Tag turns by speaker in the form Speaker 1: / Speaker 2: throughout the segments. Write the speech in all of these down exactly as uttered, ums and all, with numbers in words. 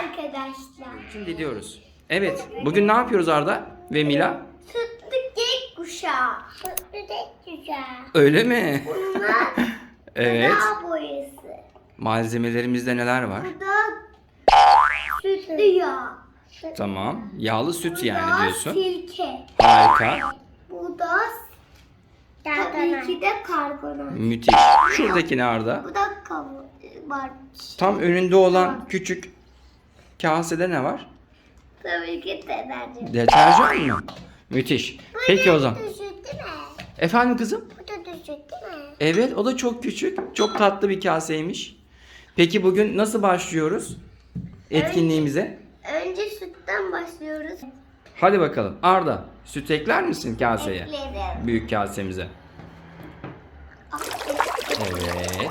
Speaker 1: arkadaşlar.
Speaker 2: Şimdi diyoruz. Evet. Bugün ne yapıyoruz Arda ve Mila?
Speaker 1: Sütlü gökkuşağı. Sütlü gökkuşağı.
Speaker 2: Öyle mi?
Speaker 1: Bunlar
Speaker 2: Evet.
Speaker 1: gıda boyası.
Speaker 2: Malzemelerimizde neler var?
Speaker 1: Bu da sütlü yağ.
Speaker 2: Tamam. Yağlı süt
Speaker 1: Bu
Speaker 2: yani
Speaker 1: da
Speaker 2: diyorsun.
Speaker 1: silke.
Speaker 2: Harika.
Speaker 1: Bu da tabii ki de karbonat.
Speaker 2: Müthiş. Şuradaki ne Arda?
Speaker 1: Bu da kavun var.
Speaker 2: Tam önünde olan küçük kasede ne var?
Speaker 1: Tabii ki deterjan.
Speaker 2: Deterjan mı? Müthiş. Peki o zaman.
Speaker 1: Düşük değil mi?
Speaker 2: Efendim kızım?
Speaker 1: Bu da düşük değil mi?
Speaker 2: Evet, o da çok küçük. Çok tatlı bir kaseymiş. Peki bugün nasıl başlıyoruz etkinliğimize?
Speaker 1: Önce sütten başlıyoruz.
Speaker 2: Hadi bakalım. Arda, süt ekler misin kaseye?
Speaker 1: Ekledim.
Speaker 2: Büyük kasemize. Evet.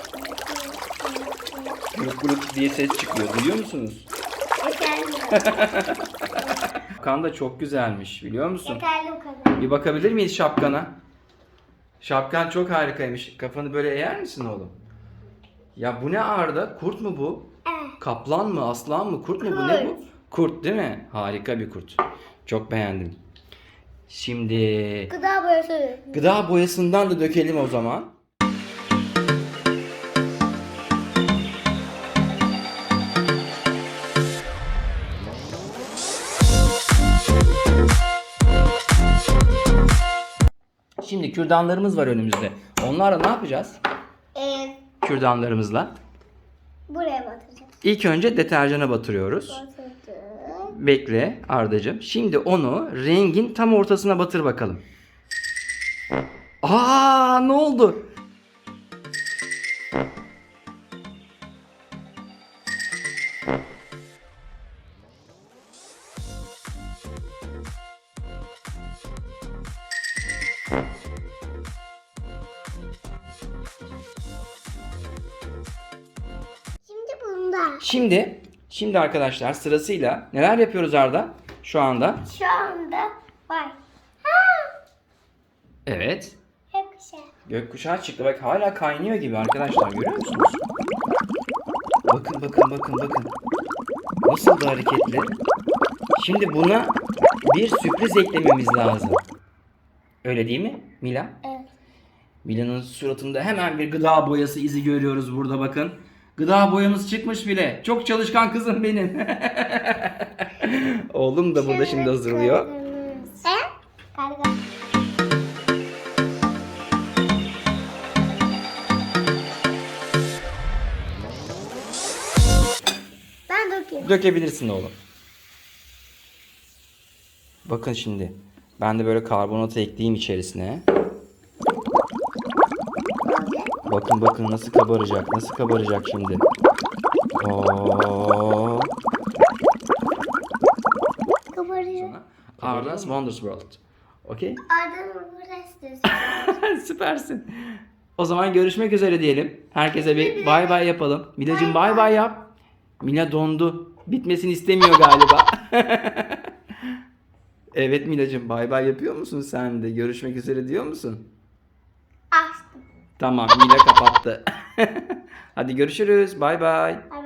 Speaker 2: Guruk guruk diye ses çıkıyor. Duyuyor musunuz?
Speaker 1: Yeterli.
Speaker 2: Şapkan da çok güzelmiş, biliyor musun?
Speaker 1: Yeterli bu kadar.
Speaker 2: Bir bakabilir miyiz şapkana? Şapkan çok harikaymış. Kafanı böyle eğer misin oğlum? Ya bu ne Arda? Kurt mu bu?
Speaker 1: Evet.
Speaker 2: Kaplan mı? Aslan mı? Kurt mu bu? Ne bu? Kurt değil mi? Harika bir kurt. Çok beğendim. Şimdi
Speaker 1: Gıda boyası.
Speaker 2: gıda boyasından da dökelim o zaman. Şimdi kürdanlarımız var önümüzde. Onlarla ne yapacağız?
Speaker 1: Ee,
Speaker 2: Kürdanlarımızla.
Speaker 1: buraya batıracağız.
Speaker 2: İlk önce deterjana batırıyoruz.
Speaker 1: Batırdık.
Speaker 2: Bekle Ardacığım. Şimdi onu rengin tam ortasına batır bakalım. Aa, ne oldu?
Speaker 1: Şimdi bunda.
Speaker 2: Şimdi, şimdi arkadaşlar sırasıyla neler yapıyoruz Arda? Şu anda.
Speaker 1: Şu anda var.
Speaker 2: Evet.
Speaker 1: Gökkuşağı.
Speaker 2: Gökkuşağı çıktı. Bak hala kaynıyor gibi arkadaşlar. Görüyor musunuz? Bakın bakın bakın bakın. Nasıl da hareketli. Şimdi buna bir sürpriz eklememiz lazım. Öyle değil mi Mila?
Speaker 1: Evet.
Speaker 2: Mila'nın suratında hemen bir gıda boyası izi görüyoruz burada bakın. Gıda boyamız çıkmış bile. Çok çalışkan kızım benim. Oğlum da burada şimdi hazırlıyor.
Speaker 1: Sen? Karga. Ben dökeyim.
Speaker 2: Dökebilirsin oğlum. Bakın şimdi. Ben de böyle karbonatı ekleyeyim içerisine. Bakın bakın nasıl kabaracak. Nasıl kabaracak şimdi. Oo.
Speaker 1: Kabarıyor.
Speaker 2: Arda's Wonders World. Okey?
Speaker 1: Arda'nın burası.
Speaker 2: Süpersin. O zaman görüşmek üzere diyelim. Herkese bir bay bay yapalım. Milacığım bay bay yap. Mila dondu. Bitmesini istemiyor galiba. Evet Milacığım bay bay yapıyor musun sen de? Görüşmek üzere diyor musun?
Speaker 1: Açtım.
Speaker 2: Tamam Mila kapattı. Hadi görüşürüz. Bay bay.
Speaker 1: Bay